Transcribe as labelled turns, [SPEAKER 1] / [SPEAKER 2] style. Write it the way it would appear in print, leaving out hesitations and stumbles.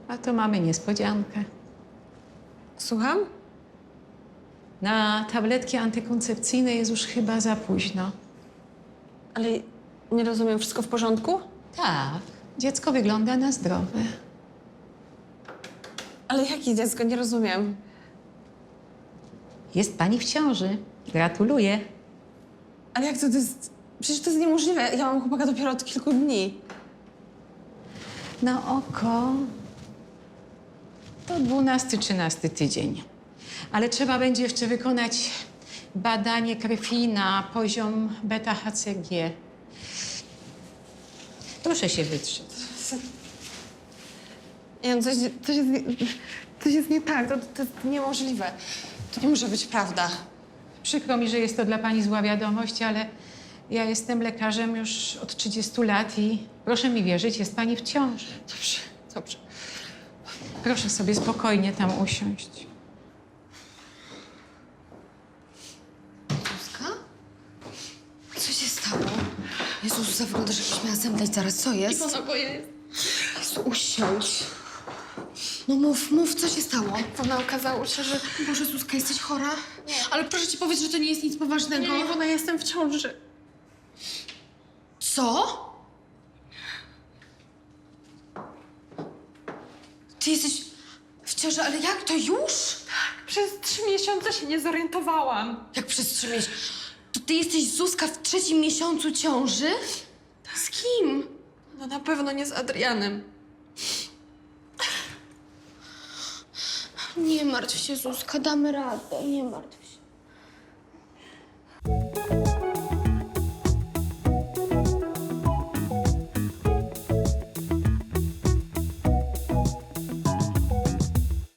[SPEAKER 1] A to mamy niespodziankę.
[SPEAKER 2] Słucham?
[SPEAKER 1] Na tabletki antykoncepcyjne jest już chyba za późno.
[SPEAKER 2] Ale nie rozumiem, wszystko w porządku?
[SPEAKER 1] Tak, dziecko wygląda na zdrowe.
[SPEAKER 2] Ale jakie dziecko? Nie rozumiem.
[SPEAKER 1] Jest pani w ciąży. Gratuluję.
[SPEAKER 2] Ale jak to jest... Przecież to jest niemożliwe. Ja mam chłopaka dopiero od kilku dni.
[SPEAKER 1] Na oko to 12-13 tydzień. Ale trzeba będzie jeszcze wykonać badanie krwi na poziom beta-HCG. Proszę się wytrzeć.
[SPEAKER 2] Nie wiem, coś jest nie tak. To jest niemożliwe. To nie może być prawda.
[SPEAKER 1] Przykro mi, że jest to dla pani zła wiadomość, ale ja jestem lekarzem już od 30 lat i proszę mi wierzyć, jest pani w ciąży.
[SPEAKER 2] Dobrze, dobrze.
[SPEAKER 1] Proszę sobie spokojnie tam usiąść.
[SPEAKER 3] Zuzka? Co się stało? Jezus, wyglądasz jakbyś miała zemdleć zaraz. Co jest? Jezu, usiądź. No mów, co się stało?
[SPEAKER 4] Ona okazało się, że...
[SPEAKER 3] Boże, Zuzka, jesteś chora? Nie. Ale proszę ci powiedz, że to nie jest nic poważnego.
[SPEAKER 4] Nie, Iwona, jestem w ciąży.
[SPEAKER 3] Co? Ty jesteś w ciąży, ale jak to już?
[SPEAKER 4] Przez 3 miesiące się nie zorientowałam.
[SPEAKER 3] Jak przez 3 miesiące? To ty jesteś, Zuzka, w 3. miesiącu ciąży? Z kim?
[SPEAKER 4] No na pewno nie z Adrianem.
[SPEAKER 3] Nie martw się, Zuzka, damy radę, nie martw